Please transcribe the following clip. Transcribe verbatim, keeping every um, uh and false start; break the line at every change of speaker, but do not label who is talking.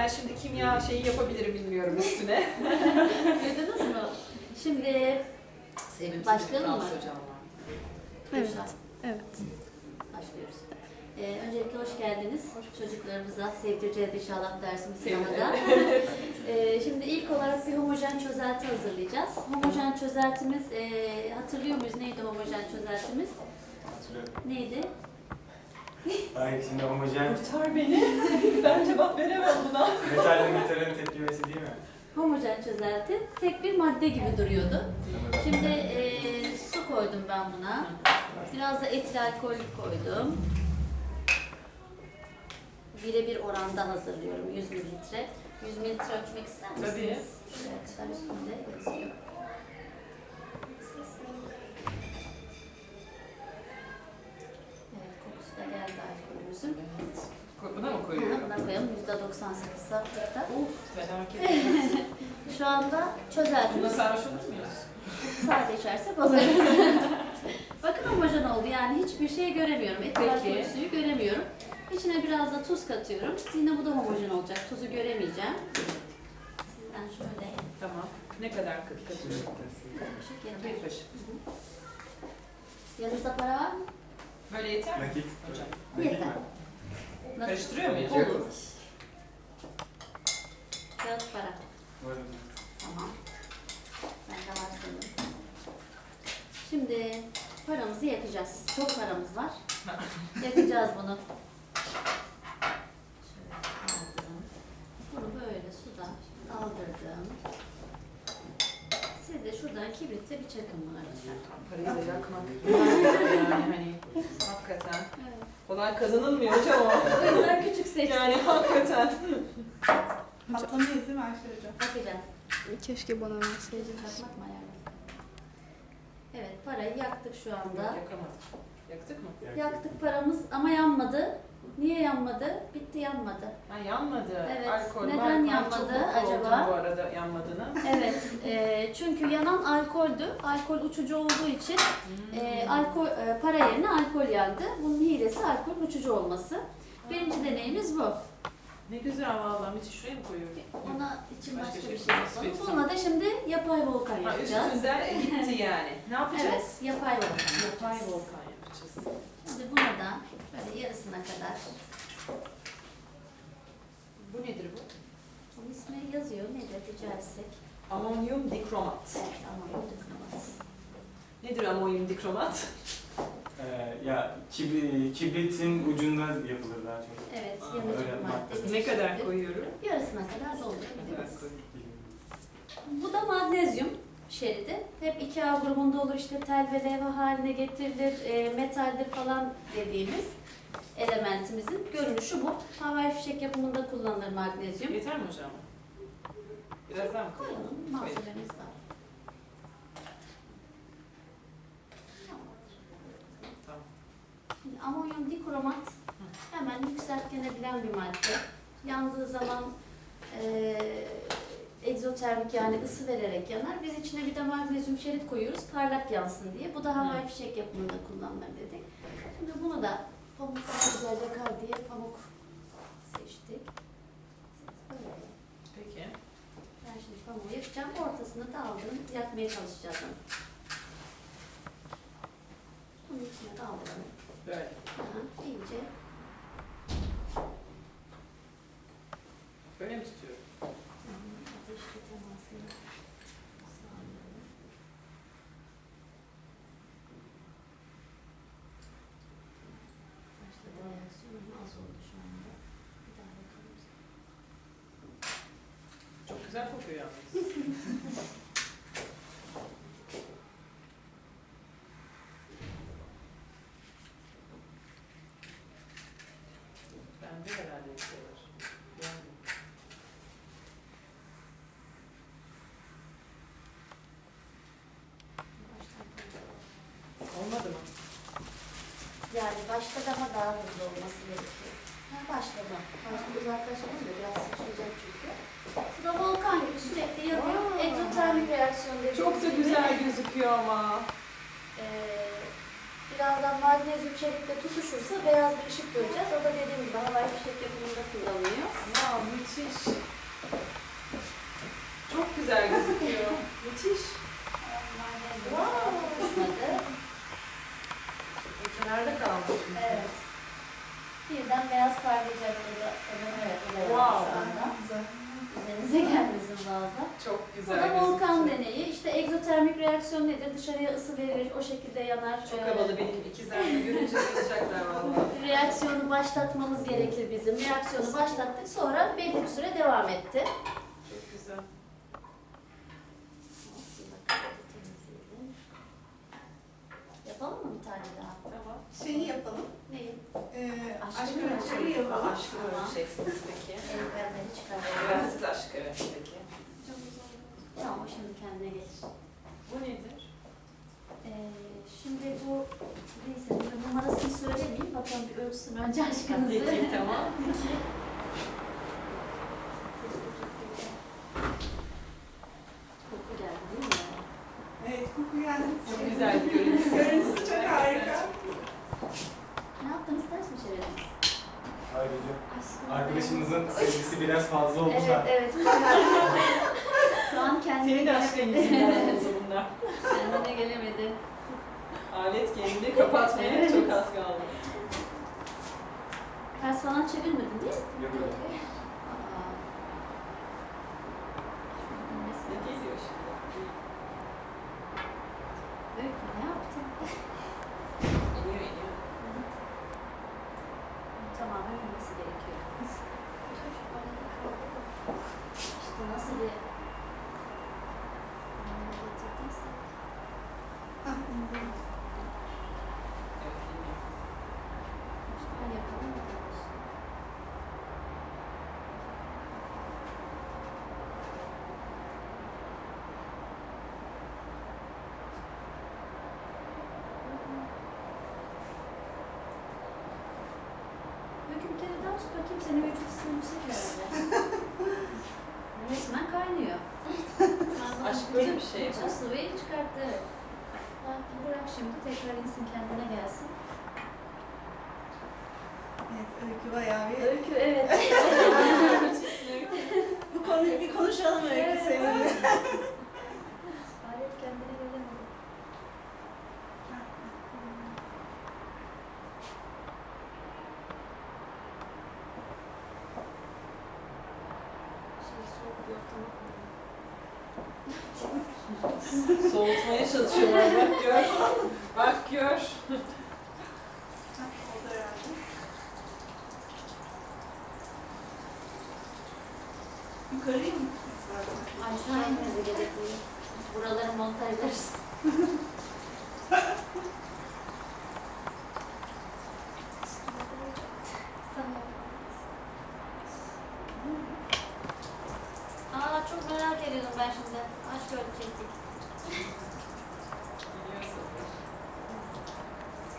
şimdi kimya şeyi yapabilirim bilmiyorum üstüne.
Duydunuz mu? Şimdi
Sevim
başlayalım mı?
Hocam var.
Evet. Evet.
Başlıyoruz. Ee, öncelikle hoş geldiniz. Çocuklarımıza sevdireceğiz inşallah dersimiz
Sevdim.
sınavda. ee, şimdi ilk olarak bir homojen çözelti hazırlayacağız. Homojen çözeltimiz, e, hatırlıyor muyuz? Neydi homojen çözeltimiz?
Hatırlıyorum.
Neydi?
Hayır, şimdi homojen
Kurtar beni. Ben cevap veremem buna.
metalle metalin tepkimesi değil mi?
Homojen çözelti tek bir madde gibi duruyordu.
Tamam.
Şimdi e, su koydum ben buna. Biraz da etil alkol koydum. Birebir oranda hazırlıyorum yüz mililitre. yüz mililitre ölçmek ister misiniz?
Tabii.
Şuraya kadar üstünde yazıyor. Evet, kokusu da geldi alkolümüzün.
Buna mı
Ha,
koyuyorum?
buna koyalım yüzde doksan sekiz saflıkta.
Uf, felaket.
Şu anda
Bunda
çözeltimiz
sarhoş olur muyuz?
sade içersek oluruz. Bakın homojen oldu yani hiçbir şey göremiyorum. Etil
Peki.
alkol suyu göremiyorum. İçine biraz da tuz katıyorum. Yine bu da homojen olacak. Tuzu göremeyeceğim. Sizden şöyle
Tamam. Ne kadar katıyorum?
kaşık yeter.
Bir kaşık.
Yanınızda para var mı?
Böyle yeter mi?
Nakit.
Hocam.
Nakit
Yeter.
mi?
Nasıl?
Karıştırıyor muyuz?
Olur. Kağıt para.
Var mı?
Tamam. Bende var sanırım. Şimdi paramızı yakacağız. Çok paramız var. Yakacağız bunu. Şöyle aldım. Bunu böyle sudan aldırdım. Siz de şuradan kibritle bir çakın buna lütfen.
Parayı da yakmak. Yani hani hakikaten.
Evet.
Kolay kazanılmıyor hocam o.
O yüzden küçük seçtim.
Yani hakikaten.
Patlamayız değil mi Ayşe Hocam?
Bakacağız.
Keşke bana verseydiniz.
Çakmak mı ayarlasın? Evet, parayı yaktık şu anda.
Yakamadık. Yaktık mı?
Yaktık paramız ama yanmadı. Niye yanmadı? Bitti yanmadı.
Ha yanmadı.
Evet,
Alkol,
neden
alkol.
yanmadı
Çok mutlu
acaba?
oldum bu arada yanmadığına.
Evet, e, çünkü yanan alkoldü. Alkol uçucu olduğu için e, alkol e, para yerine alkol yandı. Bunun hilesi alkol uçucu olması. Birinci deneyimiz bu.
Ne güzel vallahi. Müthiş, şuraya mı koyuyorum?
Ona için
Başka
başka
şey
bir şey
yapalım.
yapalım. Bununla da şimdi yapay volkan
Ha,
yapacağız.
üstünden gitti yani. Ne yapacağız?
Evet, yapay volkan
Yapay
yapacağız.
volkan yapacağız.
Şimdi buna da böyle yarısına kadar.
Bu nedir bu?
Onun ismi yazıyor. Nedir rica etsek?
Amonyum dikromat.
Evet, ama dokunamaz.
Nedir amonyum dikromat?
Ee, ya kibri, kibritin ucunda yapılır daha çok.
Evet,
Aa,
yanıcı
öyle
bir madde.
madde.
Ne kadar koyuyorum?
Yarısına kadar
Ne
doldurabiliriz.
kadar koyuyorum?
Bu da magnezyum şeridi. Hep iki A grubunda olur, işte tel ve levha haline getirilir, e, metaldir falan dediğimiz elementimizin görünüşü bu. Havai fişek yapımında kullanılır magnezyum.
Yeter mi hocam? Biraz daha mı koyalım?
Koyalım, malzememiz var.
Tamam.
Şimdi amonyum dikromat hemen yükseltgenebilen bir madde. Yandığı zaman e, egzotermik yani ısı vererek yanar. Biz içine bir de magnezyum şerit koyuyoruz parlak yansın diye. Bu da havai fişek yapımında kullanılır dedik. Şimdi bunu da pamuk güzel yakar diye pamuk seçtik. Böyle.
Peki.
Ben şimdi pamuğu yakacağım. Ortasını da aldım. Yakmaya çalışacağız onu. Bunun içine de aldım.
Böyle.
Aha, iyice.
Böyle mi tutuyorum?
Ateşli temasını sağlıyorum. Başladı reaksiyon ama az oldu şu anda. Bir daha bakalım.
Çok güzel kokuyor yalnız. Bende herhalde bir şey var. Yani.
Baştan bakalım.
Olmadı mı?
Yani başta daha daha hızlı olması gerekiyor. Ha, başladı. Başta uzaklaşalım da biraz sıçrayacak çünkü. Bu da volkan gibi sürekli yanıyor.
Aa.
Egzotermik reaksiyon dediğimiz
Çok da
gibi.
güzel gözüküyor ama.
Ee, birazdan magnezyum şeritle tutuşursa beyaz bir ışık göreceğiz. O da dediğim gibi havai fişek yapımında kullanılıyor.
Ya müthiş. güzel gözüküyor. Müthiş.
Tutuşmadı.
Kenarda kalmış.
Evet. Birden beyaz parlayacakları da sanırım evet.
Wow.
Şu anda.
Güzel.
Üzerinize gelmesin fazla.
Çok
Bu
güzel
da volkan
gözüküyor.
deneyi. İşte egzotermik reaksiyon nedir? Dışarıya ısı verir, o şekilde yanar.
Çok
Ee,
havalı benim ikizler de görünce bayılacaklar vallahi.
Reaksiyonu başlatmamız gerekir bizim. Reaksiyonu başlattık, sonra belli bir süre devam etti.
Çok güzel.
Yapalım mı bir tane daha?
Tamam.
Şeyi yapalım.
Neyi?
Ee,
Aşkı
aşkı
ölçeği
ölçeği yapalım.
Aşkı ölçeceksiniz peki.
Eldivenleri çıkartalım.
Ben siz aşkı peki.
Tamam, o şimdi kendine gelir.
Bu nedir?
Ee, şimdi bu, neyse bir numarasını söylemeyeyim. Bakalım bir ölçsün önce aşkınızı.
Peki tamam.
Koku geldi değil mi?
Evet, koku geldi.
Çok güzel bir görüntüsü.
Görüntüsü çok harika.
Ne yaptınız? Ters mi çevirdiniz?
Ayrıca
Aşkım.
arkadaşımızın sevgisi biraz fazla oldu
Evet,
da.
evet. Şu an kendine
Senin aşkın yüzünden oldu bunlar.
Kendine gelemedi.
Alet kendini kapatmaya
Evet.
çok az kaldı.
Ters falan çevirmedin değil mi?
Yok yok.
Aa.
Ne geliyor şimdi?
Öykü ne yaptın?
İniyor iniyor.
Tamam, ölmesi gerekiyor. İşte nasıl bir anlamda getirdiyse.
Ah, indim.
Evet iniyor.
Şöyle yapalım da olsun. Öykü bir kere daha tut bakayım, senin vücut ısın yüksek herhalde. Resmen kaynıyor.
Aşk böyle bir şey mi?
Bütün sıvıyı çıkarttı. Evet. Bak, bırak şimdi tekrar insin, kendine gelsin.
Evet, öykü bayağı bir...
Öykü evet.
Bu konuyu bir konuşalım öykü
Evet.
seninle.
Alet kendine gelemedi. Şey soğuk bir ortama koyalım.
Soğutmaya çalışıyorlar. Bak gör. Bak gör.
Hah, oldu herhalde. Yukarıya mı?
Aşağı inmesi gerekiyor. Buraları montajlarız. Aa, çok merak ediyordum ben şimdi. Aşk ölçecektik.
Biliyorsun.